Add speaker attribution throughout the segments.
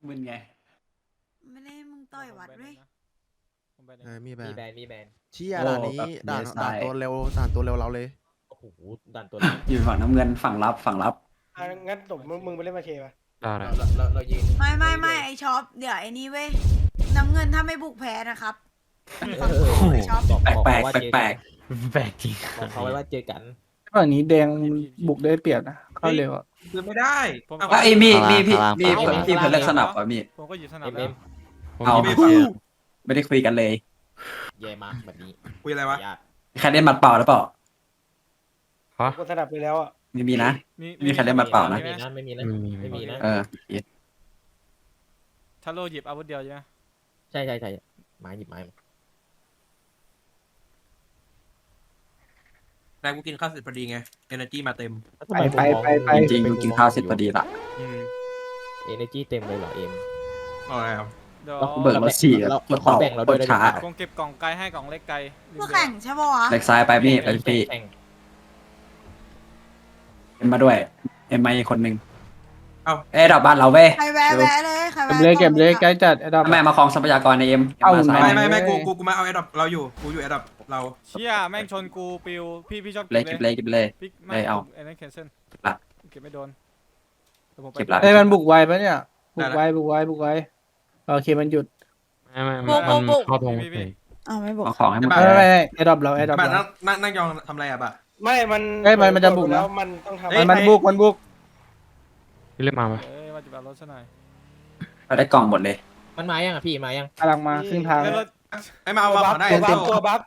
Speaker 1: มึนไง
Speaker 2: ไม่ได้มึงต่อยวัดด้วย
Speaker 3: มีแบ
Speaker 4: มี
Speaker 3: น
Speaker 4: แบนมีแบน
Speaker 3: เชี่ยด่านนี้ด่านตัวเร็วด่านตัวเร็วเราเลย
Speaker 4: โอ้โหดันตัว
Speaker 1: อยู่ฝั่งน้ำเงินฝั่งรับฝั่งรับ
Speaker 5: งั้นตบมึงไปเล่นมาเคป่ะ
Speaker 4: เรายืน
Speaker 2: ไม่ไอช็อปเดี๋ยวไอ้นี่เว้ยน้ำเงินถ้าไม่บุกแพ้นะครับฝั่งไอช็อป
Speaker 1: แปลกแปลก
Speaker 6: แปลกจริง
Speaker 4: บอกเขาไว้ว่าเจอกัน
Speaker 6: ฝั่งนี้แดงบุกได้เปรียบนะเข้าเร็วอ่ะ
Speaker 7: คือไม่ได้
Speaker 1: ไอ้มีพี่เพิ่นเลือกสนับอ่ะมี
Speaker 8: ผมก็อยู่สนาม
Speaker 4: เอ็ม
Speaker 8: แล้ว
Speaker 1: เอาไม่ได้คุยกันเลย
Speaker 4: แย่มากแบบนี้
Speaker 7: คุยอะไรวะ
Speaker 4: ยาก
Speaker 1: ใครเล่นหมัดเปล่าหรือเปล่า
Speaker 5: กูสนับไปแล้วอ่ะ
Speaker 1: ไม่มีนะ มีใครเล่นหมัดเปล่านะ
Speaker 4: ไม่มีนะไม่มีนะไม่มีนะ
Speaker 1: เออ
Speaker 8: ถ้าโลหยิบอาวุธเดียวใช่ไหม
Speaker 4: ใช่ไม้หยิบไม้มา
Speaker 7: แต่กูกินข้าวเสร็จพอดีไง energy มาเต็ม
Speaker 6: ไป
Speaker 1: จริงๆมึงกินข้าวเสร็จพอดีละ
Speaker 4: เอเนจีเต็มเลยเหรอเอ็ม
Speaker 7: เอาอะไรครับ
Speaker 8: เดี๋ยว
Speaker 1: เบิกรถสี่กดต่อกดช้า
Speaker 8: คงเก็บกล่องไกลให้กล่องเล็กไกล
Speaker 2: ผู้แข่งใช่ปะวะ
Speaker 1: เล็กซ้ายไปพี่ไปพี่เอ็มมาด้วยเอ็มมาอีกคนนึงเอ้ดอกบ้านเราเว้ย
Speaker 2: ใครแวะเลยใครแวะ
Speaker 6: เก็บเลยใกล้จัดไอ้ดอก
Speaker 1: แม่มาคลองทรัพยากรในเอ็มมาซ้าย
Speaker 7: ไม่กูมาเอาแอดดอปเราอยู่กูอยู่แอดดอปเรา
Speaker 8: เชี่ยแม่งชนกูปิวพี่ชอบ
Speaker 1: เลยเก็บเลยเก็บเลย
Speaker 8: พี่
Speaker 1: เลยเอา
Speaker 8: ไอ้นั่นแคนเซิล
Speaker 1: ละ
Speaker 8: เก็บไม่โดน
Speaker 1: เก็บละ
Speaker 6: ไอ้มันบุกไวปะเนี่ยบุกไวโอเคมันหยุด
Speaker 2: บุก
Speaker 6: เข้าทง
Speaker 2: อ้าวไม่บุก
Speaker 1: เอาของให้หมด
Speaker 6: ไม่ไอ้ดอกเรา
Speaker 7: บัตรนั่งยองทำอะไรอ่ะบะ
Speaker 5: ไม่มัน
Speaker 6: มันจะบุก
Speaker 5: แล้วมันต้องทำ
Speaker 6: มันบุก
Speaker 8: เอ้ยว่าจะแบบรถซะหน่อย
Speaker 1: เราได้กล่องหมดเลย
Speaker 4: มันมายังอ่ะพี่มายัง
Speaker 6: กำลังมาครึ่งทาง
Speaker 8: แล้วรถ
Speaker 7: ไอ้มาเอาวางได้
Speaker 5: ตัวบั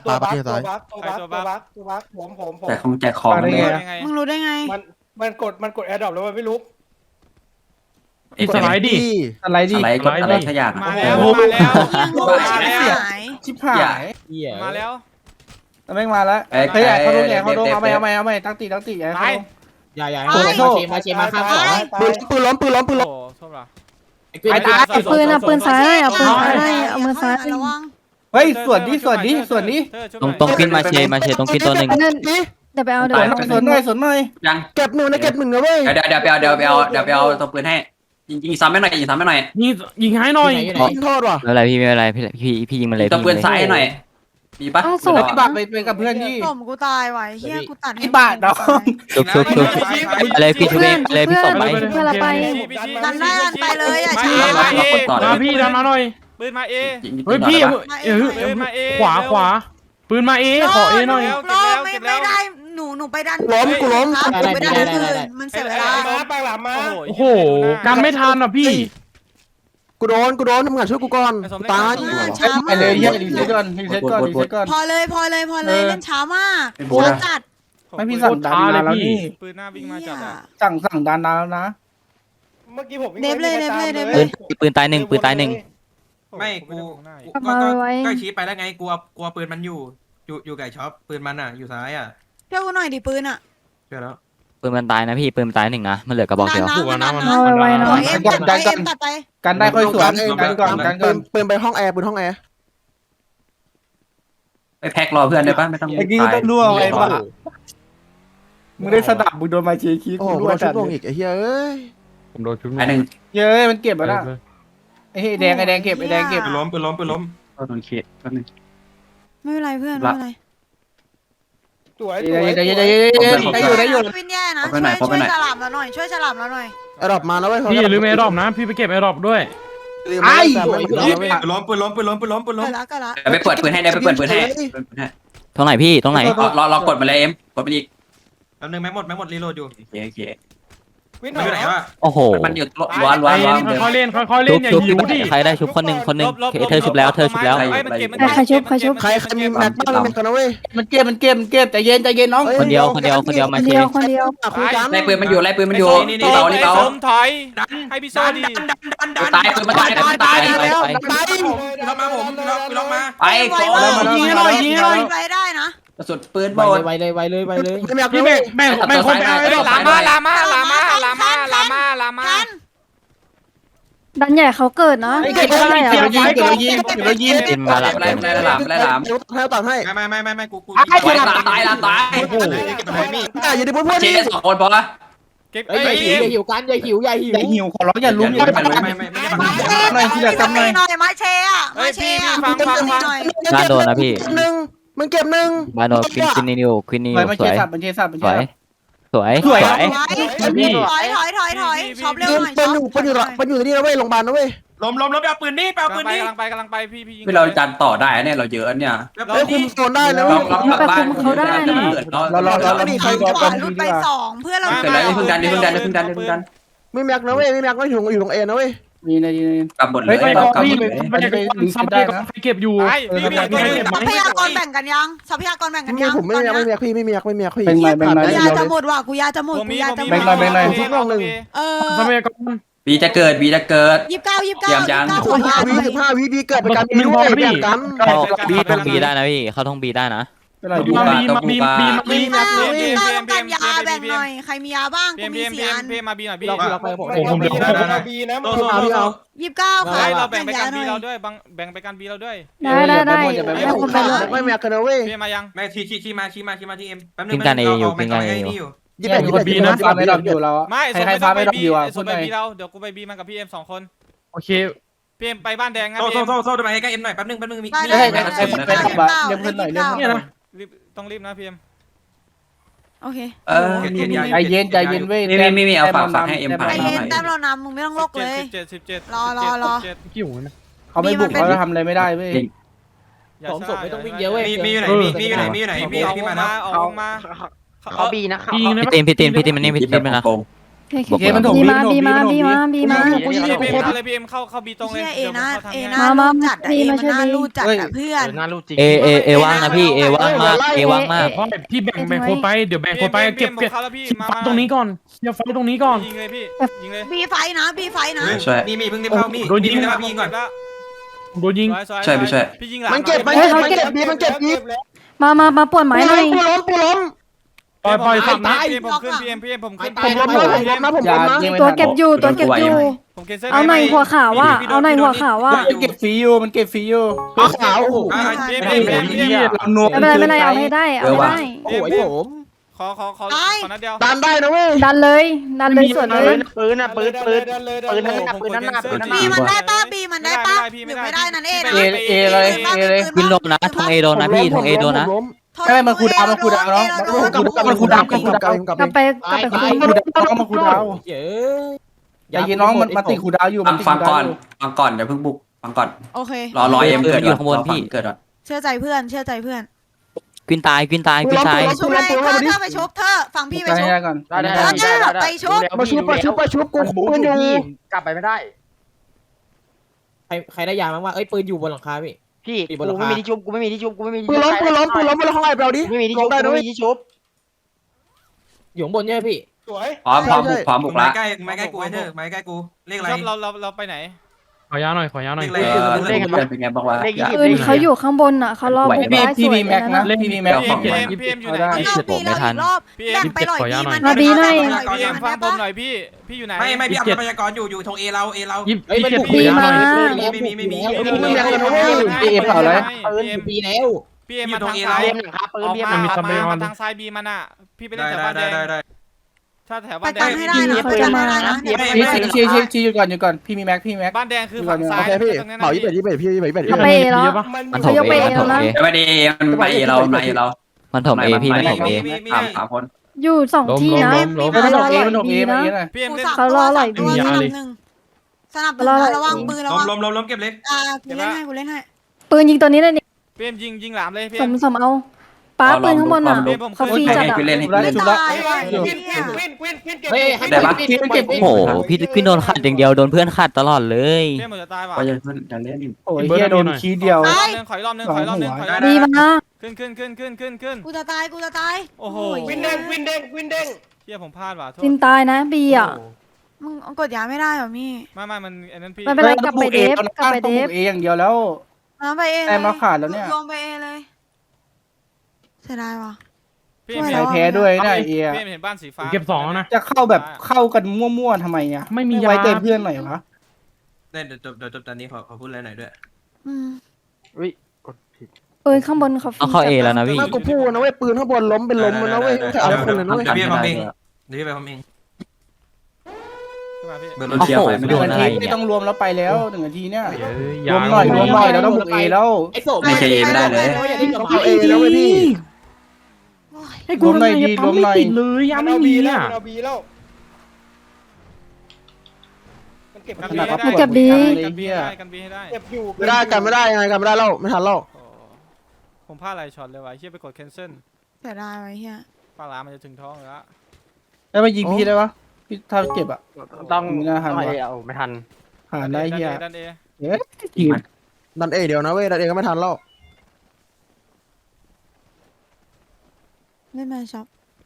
Speaker 5: กผม
Speaker 1: แต่ของแจกของเลย
Speaker 8: ยังไง
Speaker 2: มึงรู้ได้ไง
Speaker 5: มันกดแอร์ดรอปแล้วมันไม่ลุก
Speaker 6: สไลด์ดิ
Speaker 1: อะไรกดอะไรสักอย่าง
Speaker 8: มาแล้ว
Speaker 2: ยังงูหาย
Speaker 6: ชิบหาย
Speaker 4: เหี้ย
Speaker 8: มาแล้ว
Speaker 6: แม่งมาแล้วเฮ้ยเขาโดนเอาไปตั้งตีไอ้เขา
Speaker 4: อย่ามาเชมาข้างสอง
Speaker 3: ปืนล้ม
Speaker 8: โอ้โทษว่ะ
Speaker 2: ปืนเอาปืนซ้ายเอาปืนซ้ายเอามือซ้ายระวัง
Speaker 6: เฮ้ยส่วนนี้
Speaker 9: ตรงปิ้นมาเชตรงปิ้นตัวหนึ่ง
Speaker 2: เดี๋ยวไปเอาเดี๋ยว
Speaker 6: ส่วนหน่อย
Speaker 1: ยัง
Speaker 3: เก็บหนึ่งนะเว้ย
Speaker 1: เดี๋ยวไปเอาตัวปืนให้ยิงซ้ำไม่หน่อยยิงซ้ำไม่หน่อย
Speaker 6: ยิงให้หน่อย
Speaker 3: โทษว่ะ
Speaker 9: ไม่เป็นไรพี่ไม่เป็นไรพี่ยิงมันเลย
Speaker 1: ตัวปืนซ้ายหน่อยมีปะ
Speaker 6: ไอ้บาทไปกับเพื่อนที่
Speaker 2: ผมกูตายไว้เฮียกูตัด
Speaker 6: ไอ้บาทดอก
Speaker 9: ชุบอะไรพี่ชุบเลยพี่ตบไป
Speaker 2: เพื่อนเราไป ดันได้ดันไปเลยอ่ะช้า
Speaker 1: เรากดต่อเลย
Speaker 6: พี่ดันมาหน่อย
Speaker 8: ปืนมาเอ
Speaker 6: เฮ้ยพี่
Speaker 8: ปืนมาเอ
Speaker 6: ขวาปืนมาเอขอเอหน่อย
Speaker 2: ไม่ได้หนูไปดัน
Speaker 3: กูล้ม
Speaker 2: ครับหนูไปดันอื่นมันเสียเวลา
Speaker 5: ปากหลามมา
Speaker 6: โอ้โหกันไม่ทันอ่ะพี่
Speaker 3: กูโดนทำงานช่วยกูก่อนตาย
Speaker 2: ช้า
Speaker 6: ไป
Speaker 2: มาก
Speaker 6: เลยรีเซ็ตก่อน
Speaker 2: พอเลยเล่นช้ามากช้าจัด
Speaker 6: ไม่พี่สั่งดันมาแล้วนี่
Speaker 8: ปืนหน้าวิ่งมาจัดอ่ะ
Speaker 6: สั่งดันแล้วนะ
Speaker 5: เมื่อกี้ผม
Speaker 9: ปืนตายหนึ่ง
Speaker 7: ไม่กูก็ชี้ไปแล้วไงกลัวปืนมันอยู่ไก่ช็อปปืนมันอ่ะอยู่ซ้ายอ่ะ
Speaker 2: เจ้ากูหน่อยดิปืนอ่ะ
Speaker 7: เชื่อแล้ว
Speaker 9: ปืนมันตายนะพี่ปืนมันตายหนึ่งนะมันเหลือกระบอกเดียว
Speaker 2: ไวๆนะเอ็มตัดไป
Speaker 6: กันได้ค่อยสวนกันก่อน
Speaker 3: ปืนไปห้องแอร์ปืนห้องแอร์
Speaker 1: ไปแพ็ครอเพื่อนได้ปะไม่ต้อง
Speaker 6: ไอ้กี้ต้องรั่วไอ้บ้ามึงได้สดับมึงโดนมาเชียร์คี
Speaker 3: โอ้โห
Speaker 6: รั่ว
Speaker 3: โดนชุ
Speaker 6: จั
Speaker 3: ด
Speaker 6: ด
Speaker 3: วงอีกไอ้เหี้ยเอ้ย
Speaker 6: ผมโดนชุด
Speaker 1: ไอ้หนึ่ง
Speaker 6: เย้มันเก็บแล้วนะไอ้แดงเก็บ
Speaker 7: ปืนล้ม
Speaker 1: โดนเขตแป๊บนึง
Speaker 2: ไม่เป็นไรเพื่อนไม่เป็นไร
Speaker 5: สวย
Speaker 6: ได้อยู่
Speaker 2: วินแย่นะช่วยฉลามเราหน่อย
Speaker 3: แอร์ดรอปมาแล้วเว้ย
Speaker 6: พี่ลืมแอร์ดรอปนะพี่ไปเก็บแอร์ดรอปด้วย
Speaker 3: ไอ้
Speaker 7: ปืนล้ม
Speaker 2: ก็ละ
Speaker 1: เดี๋ยวไปเปิดปืนให้ได้ไปเปิดปืนให้
Speaker 9: ตรงไหนพี่ตรงไหน
Speaker 1: รอกดมาเลยเอ็มกดไปอีก
Speaker 7: แป๊บนึงแม็กหมดรีโหลดอยู่
Speaker 1: โอเค
Speaker 5: วิน
Speaker 7: มันอยู่ไหนวะ
Speaker 9: โอ้โห
Speaker 1: มันอยู่ล้วน
Speaker 6: ค่อยเล่นอย่าหิวดิ
Speaker 9: ใครได้ชุบคนหนึ่งเธอชุบแล้ว
Speaker 2: ใคร
Speaker 3: มีแม็กบ้างแม็กกันนะเว้ย
Speaker 6: มันเก็บใจเย็นน้อง
Speaker 9: คนเดียวมาเช
Speaker 3: คุยกัน
Speaker 1: ไล่ปืนมันอยู่นี่เบา
Speaker 8: ถอยให้พี่โซ่ดี
Speaker 1: ตายปืนมันตายตาย
Speaker 7: ล็อกมาผมล็อกมา
Speaker 1: ไปก่อน
Speaker 6: ยิงให้หน่อย
Speaker 2: ไปได้นะ
Speaker 1: กระสุนปืนหมด
Speaker 4: ไวเลย
Speaker 6: พี่แม่คนไปเอา
Speaker 8: ลามา
Speaker 2: ดันใหญ่เขาเกิดเนาะ
Speaker 6: เก็บได้เก็บเรายิง
Speaker 9: ติมมาหลับ
Speaker 1: ไล่หลาม
Speaker 3: ให้ตัดให้
Speaker 7: ไม่กู
Speaker 1: ตาย
Speaker 7: โอ้โห
Speaker 3: อย่าดิพูด
Speaker 1: เชส2 คนพอละ
Speaker 8: เก็บ
Speaker 4: เอ้ยอย่าหิวกันอย่าหิว
Speaker 6: อย่าหิวขอร้องอย่าลุ้มอย่า
Speaker 7: ไม่
Speaker 6: ลุ้ม
Speaker 7: ไม่ไม่
Speaker 2: หน่อยที่เหลือจำหน่อยมาเชอ่ะมาเชอ่ะ
Speaker 8: ฟัง
Speaker 9: บ้านโดนนะพี่
Speaker 3: หนึ่งมันเก็บหนึ่ง
Speaker 9: บ้านโดนควินนิวควินนิว
Speaker 6: มัน
Speaker 9: ส
Speaker 6: เช
Speaker 9: วย
Speaker 6: สับมันเชสับมัน
Speaker 9: ส
Speaker 6: เช
Speaker 9: วย
Speaker 6: สับ
Speaker 9: สวย
Speaker 6: สวย
Speaker 2: ถอยช็อปเร็วหน่อย
Speaker 3: มันอยู่ที่นี่นะเว้ยโรงพยาบาลนะเว้ย
Speaker 7: ล้มไปเอาปืนนี่ไปเอาปืนนี่
Speaker 8: กำลังไปพี่ยิง
Speaker 1: คือเราจันต่อได้เนี่ยเราเยอะเนี่ย
Speaker 3: เฮ้ยคุมโซนได้นะ
Speaker 1: เรา
Speaker 3: เว้ย
Speaker 1: กลับบ้านเขาได้นะเรา
Speaker 2: มีใครกว่าลุดไป2เพื่อเรา
Speaker 1: เสร็จแล้วนี่เพิ่งดันนี่เพิ่งดัน
Speaker 3: ไม่แม็กนะเว้ยไม่แม็กไม่อยู่ตรงเอนะเว้ย
Speaker 6: นี่นะนี่
Speaker 1: กลับหมดเล
Speaker 6: เฮ้ย
Speaker 1: ย
Speaker 6: ไป
Speaker 1: กลับ
Speaker 6: พี่
Speaker 1: หมด
Speaker 6: ไป
Speaker 1: เลย
Speaker 6: รีเซ็ตได้นะ
Speaker 8: เก็บอยู่พี่
Speaker 2: ทรัพยากรแบ่งกันยังทรัพยากรแบ่งกันยัง
Speaker 3: ผมไม่แม็กพี่ไม่แม็กพี่
Speaker 6: เป็นไรเป็นไร
Speaker 2: กูยาจะหมดว่ะกูยาจะหมดกูยาจะหมด
Speaker 1: บีจะเกิด
Speaker 2: 29
Speaker 3: 15วิเกิดไปกันมีด้วยแบ่งกัน
Speaker 9: เข้าท่องบีได้นะพี่เข้าท่องบีได้นะ
Speaker 6: เป็นไร
Speaker 1: บูบาต้องบูบา
Speaker 2: ต้องการยาแบ่งหน่อยใครมียาบ้างกูมี4 อัน
Speaker 8: พี่มาบีหน่อยพี่
Speaker 4: เราไปผม
Speaker 5: บีนะ
Speaker 3: พี่เอา
Speaker 2: 29ค่ะ
Speaker 8: เราแบ่งไป
Speaker 2: ยา
Speaker 8: กัน
Speaker 2: ห
Speaker 8: บี
Speaker 2: น่
Speaker 8: เรา
Speaker 2: อย
Speaker 8: ด้วยแบ่งไปกันบีเราด้วย
Speaker 6: ได้
Speaker 3: ไม่แม็กกันนะเว้ย
Speaker 8: พี่มายัง
Speaker 7: ไม่ชี้มาที่เอ็มแป๊บนึง
Speaker 3: ยี่สิบ
Speaker 6: อยู่กับบีนะฟาร์มไม่ดอกอยู่แล้ว
Speaker 8: ไม่
Speaker 6: ใครฟาร์มไม่ดอกอยู่อ่ะ
Speaker 8: ส่
Speaker 6: พู
Speaker 8: ง
Speaker 6: ด
Speaker 8: ไป
Speaker 6: หน่อย
Speaker 8: บีเราเดี๋ยวกูไปบีมันกับพี่เอ็ม2 คน
Speaker 6: โอเค
Speaker 8: พี่เอ็มไปบ้านแดงนะ
Speaker 7: โซ่
Speaker 8: พี่
Speaker 7: ทำไมให้ใกล้เอ็มหน่อยแป๊บนึงมี
Speaker 6: ไปขับบ้านเรียกเพื่อนหน่อยเรียก
Speaker 8: เนี่ยนะต้องรีบนะพี่เอ็ม
Speaker 2: โอเค
Speaker 6: ใจเย็นใจเย็นเว้ย
Speaker 1: มีเอาฝากให้เอ็ม
Speaker 2: ไอเย็นแต้มเรานำมึงไม่ต้องโลกเลย
Speaker 8: 17
Speaker 2: รอ
Speaker 8: กี่หูนะ
Speaker 6: เขาไม่บุกเขาจะทำอะไรไม่ได้เว้ย
Speaker 4: ผมศพไม่ต้องวิ่งเยอะเว้ย
Speaker 7: มีอยู่ไหนพี่มานะ
Speaker 8: ออกมา
Speaker 9: เขาบีนะพี่ตีนมันนี่พี่ตีนมันนะ
Speaker 6: โอเคมันถูกบีมา
Speaker 8: พี่เอ็มเข้าบีตรงเลย
Speaker 2: เอนะจัดเอมันน่ารูดจัดเพื่อน
Speaker 9: เอว่างนะพี่เอว่างมากเอว่างมาก
Speaker 8: พี่แบ่งคนไปเดี๋ยวแบ่งคนไปเก็บฟังตรงนี้ก่อนอย่าฟังตรงนี้ก่อนยิงเลยพี่ยิงเลย
Speaker 2: บีไฟนะ
Speaker 7: มีเพิ่งได้เข้ามีโดนยิงแล้วพี่ก่อน
Speaker 8: โดนยิง
Speaker 1: ใช่ไม่ใช่
Speaker 8: พี่ยิงหลัง
Speaker 3: มันเก็บบีมันเก็บบี
Speaker 10: มาปวดไม้หน่อย
Speaker 3: ปูล้ม
Speaker 8: ปล่อยฝั่งนะผมขึ้นพี่เอ็มผมขึ้น
Speaker 3: ผมล้มนะ
Speaker 10: ตัวเก็บอยู่
Speaker 8: ผมเคนเซิล
Speaker 10: เอาหน่อยหัวขาวว่าเอาหน่อยหัวขาวว่า
Speaker 6: มันเก็บฟรีอยู่มันเก็บฟรีอยู่
Speaker 3: ขาวโอ้โห
Speaker 8: พี่
Speaker 10: ไม่เป็นไรเอาให้ได้เอาให้ได้
Speaker 3: โอ้ยผม
Speaker 8: ขอนัดเดียว
Speaker 3: ดันได้นะเว้ย
Speaker 10: ดันเลยส่วนเลย
Speaker 5: ปืนนั่นน่ะ
Speaker 2: บีมันได้ป้าบีมันได้ป้าหรือไม่ได้นั่นเอง
Speaker 9: วินโดนนะทงเอโดนนะพี่ทงเอโดนนะ
Speaker 6: ไม่มันคูดาวเนาะมันคูดาว
Speaker 10: กลับไป
Speaker 6: คูดาวมาคูดาวใจเย็นน้องมันติดคูดาวอยู่
Speaker 1: ฟังก่อนเดี๋ยวเพิ่งบุกฟังก่อน
Speaker 2: โอเค
Speaker 1: รอเอ็มเกิดเกิด
Speaker 2: เชื่อใจเพื่อน
Speaker 9: กวินตาย
Speaker 2: ชุบเลยเธอไปชุบเธอฟังพี่ไปชุบ
Speaker 6: ก่อน
Speaker 2: เธอไปชุบ
Speaker 3: มาชุบกูปืนอยู่
Speaker 4: กลับไปไม่ได้ใครได้ยาบ้างว่าเอ้ยปืนอยู่บนหลังคาพี่
Speaker 9: พี่กูไม่มีที่ชุบกูไม่มีที่ชุบกูไม่มี
Speaker 3: ปืนล้มมาแล้วข้างในเราดิ
Speaker 9: ไม่มีที่ชุบไม่มีที่ชุบ
Speaker 4: อยู่ข้างบนเนี่ยพี่
Speaker 5: สวย
Speaker 1: พร้อมบุกละ
Speaker 7: ไม้ใกล้กูเถอะไม้ใกล้กูเลขอะไร
Speaker 8: เราไปไหนขอยาหน่อย
Speaker 1: เป็นไงบอกว่า
Speaker 10: ปืนเขาอยู่ข้างบนอ่ะเขารอบุกได้ส
Speaker 6: พี่
Speaker 10: วย
Speaker 6: มีแม็กนะ
Speaker 10: นะ
Speaker 6: พี่มีแม็ก
Speaker 8: พี่เอ็มอยู่ไหน
Speaker 2: รอบแบ่งไปหน่อยบีมัน
Speaker 8: พี่เอ็มฟังผมหน่อยพี่อยู่ไหน
Speaker 7: ไม่พี่อัพพยากรอยู่ทงเอเรา
Speaker 4: เฮ้ยมันบุก
Speaker 10: บีมา
Speaker 7: ไม่มี
Speaker 4: ปีแล้ว
Speaker 8: พี่เอ็มมาทางซ้ายมาทางซ้ายบีมันอ่ะพี่ไปเล่นแถวบ้านแดงถ้าแถว
Speaker 2: ไป
Speaker 8: บ้านแด
Speaker 2: กัน
Speaker 8: ง
Speaker 2: ให้ได้นะไปกันให้ได้นะ
Speaker 6: ชี้อยู่ก่อนพี่มีแม็ก
Speaker 8: บ้านแดงคือฝั่งซ้าย
Speaker 3: พี่เผา21พี่21
Speaker 10: เขาไปเอแล้ว
Speaker 9: มันถมเอมันถมเอ
Speaker 1: ไม่ได้มันไปเรา
Speaker 9: มันถมเอพี่มันถมเอ
Speaker 1: ถามคน
Speaker 10: อยู่2ที่นะ
Speaker 6: มันถกเอมันถกเอมาอย่างนี้เลย
Speaker 8: พี่เอ็มเล่น
Speaker 10: เขารออร่อยดี
Speaker 2: สนับระวังปืนระวัง
Speaker 7: ล้มเก็บเล็ก
Speaker 2: กูเล่นให้
Speaker 10: ปืนยิงตัวนี้เลยนี่
Speaker 8: พี่เอ็มยิงหลามเลยพี่
Speaker 10: สมเอาป้าปืนข้างบนอ่ะเขาฟรีจัดอ่ะ
Speaker 1: เล่นให้
Speaker 2: ไม่ตาย
Speaker 4: เฮ้ยให้เก็บ
Speaker 9: โอ้โหพี่โดนขัดอย่างเดียวโดนเพื่อนขัดตลอดเลย
Speaker 8: พี่เอ็มจะตายว่ะ
Speaker 1: ก็ยังเพิ่งจะเล่น
Speaker 6: โอ้ยเฮียโดนคีเดียว
Speaker 8: ขอยรอบนึง
Speaker 10: ดีมา
Speaker 8: ขึ้น
Speaker 2: กูจะตาย
Speaker 8: โอ้โห
Speaker 5: วินเด้ง
Speaker 8: เฮียผมพลาดว่ะโทษ
Speaker 10: จินตายนะบีอ่ะ
Speaker 2: มึงกดยาไม่ได้หรอมี่
Speaker 8: ไม่มันอันนั้นพี่
Speaker 10: ไม่เป็นไรกลับไปเดฟ
Speaker 6: เออย่างเดียวแล้ว
Speaker 2: น้ำไปเอเลย
Speaker 6: แต้มเราขาดแล้วเนี่ย
Speaker 2: ลงไปเอเลยเสียดายว่ะ
Speaker 8: พี่เอ็ม
Speaker 6: ใส่แพ้ด้วยนะเอ
Speaker 8: พี่เอ็มเห็นบ้านสีฟ้า
Speaker 6: เก็บ2แล้วนะจะเข้าแบบเข้ากันมั่วๆทำไมอ่ะไม่มีไว้ใจเพื่อนหน่อยวะ
Speaker 7: เดี๋ยวจบตอนนี้ขอพูดอะไรหน่อยด้วย
Speaker 10: ปืนข้างบนเขาฟรี
Speaker 9: เอาเข้าเอแล้วนะพี่
Speaker 3: กูพูดนะเว้ยปืนข้างบนล้มเป็นล้มมันนะเว้ยแต่เอาคนเลยนะเว้ย
Speaker 7: เดี๋ยวพี่ไปทำเอง
Speaker 8: มาพี่
Speaker 7: เบอร์
Speaker 1: รถเชียร์ไฟไม่
Speaker 6: ห
Speaker 1: โด
Speaker 6: นึ่ง
Speaker 1: น
Speaker 6: นา
Speaker 1: อะไร
Speaker 6: ทีไม่
Speaker 1: เนี่ย
Speaker 6: ต้องรวมแล้วไปแล้ว1 นาทีเนี่ย
Speaker 9: ยาร
Speaker 6: วมหน่อยรวมหน่อยเราต้องบุกเอแล้ว
Speaker 4: ไอ้โสม
Speaker 1: ไม่ใช่เอไม่ได้เลย
Speaker 3: ต้องเอาเอแล้วไหมพี่
Speaker 6: ให้รวมหน่อยดีรวมหน่อย
Speaker 5: มันเอาบีแล้วมันเอาบีแล้วมันเก็บ
Speaker 8: กัน
Speaker 5: บี
Speaker 8: บี
Speaker 5: แล้ว
Speaker 8: ให้
Speaker 10: เก็บบี
Speaker 8: กันบีให้ได้กันบีให้ได้
Speaker 5: เก็บอยู่
Speaker 3: ไม่ได้กันไม่ได้ยังไงกันไม่ได้แล้วไม่ทันแล้ว
Speaker 8: โอ้ผมพลาดอะไรช็อตเลยวะเฮียไปกด cancel
Speaker 2: เสียดายไว้เฮีย
Speaker 8: ปลาร้ามันจะถึงท้องแล้ว
Speaker 6: แล้วมายิงพี่ได้ปะพี่ถ้าเจ็บอ่ะ
Speaker 9: ต้อง
Speaker 6: ไม่น่าทันวะ
Speaker 9: ไม่ทัน
Speaker 6: หาได้เฮีย
Speaker 8: ดันเอ
Speaker 6: เอ๊ะยิง
Speaker 3: ดันเอเดียวนะเว้ยดันเอก็ไม่ทันแล้ว
Speaker 2: ไม่มาช็อป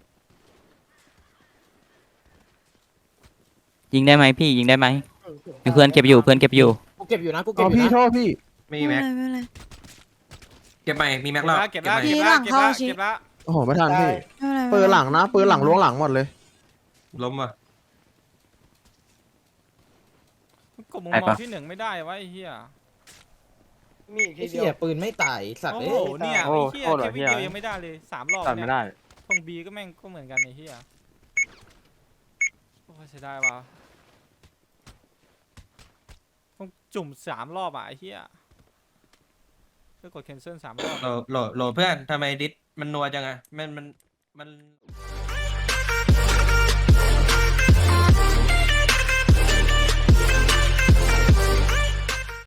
Speaker 9: ยิงได้ไหมพี่ยิงได้ไหมเพื่อนเก็บอยู่เพื่อนเก็บอยู่
Speaker 4: กูเก็บอยู่นะกูเก็บ
Speaker 3: เอา
Speaker 4: อยู่
Speaker 3: พี่
Speaker 4: นะ
Speaker 3: โทษพี่
Speaker 7: มี
Speaker 2: ไม่
Speaker 7: แม็ก
Speaker 2: เป็นไรไม่เป็นไร
Speaker 7: เก็บใหม่มีแม็กแล้ว
Speaker 8: เก็บละเก็บละเก็บละเก็บละ
Speaker 3: โอ้โหไม่ทันพี่
Speaker 2: ไม่เป็นไร
Speaker 3: ปืนหลังนะปืนหลังล้วงหลังหมดเลย
Speaker 7: ล้มว่ะ
Speaker 8: กดมุมมองที่1ไม่ได้วะไอ้เหี้ย
Speaker 5: มีอีก
Speaker 4: ไอ้
Speaker 5: ทีเดี
Speaker 4: เหี้
Speaker 5: ย
Speaker 4: ยปืนไม่ตายสัตว์
Speaker 8: โอ้
Speaker 4: เอ้
Speaker 8: โห
Speaker 4: ย
Speaker 8: เนี่ยไอ้เหี้ยแค่วิดีโอยังไม่ได้เลย3 รอบเนี่ยตรงบีก็แม่งก็เหมือนกันไอ้เหี้ยโอ้เสียดายว่ะต้องจุ่ม3 รอบอ่ะไอ้เหี้ยเพื่อกด cancel 3 รอบ
Speaker 7: โหลเพื่อนทำไมดิสมันนัวจังอะมัน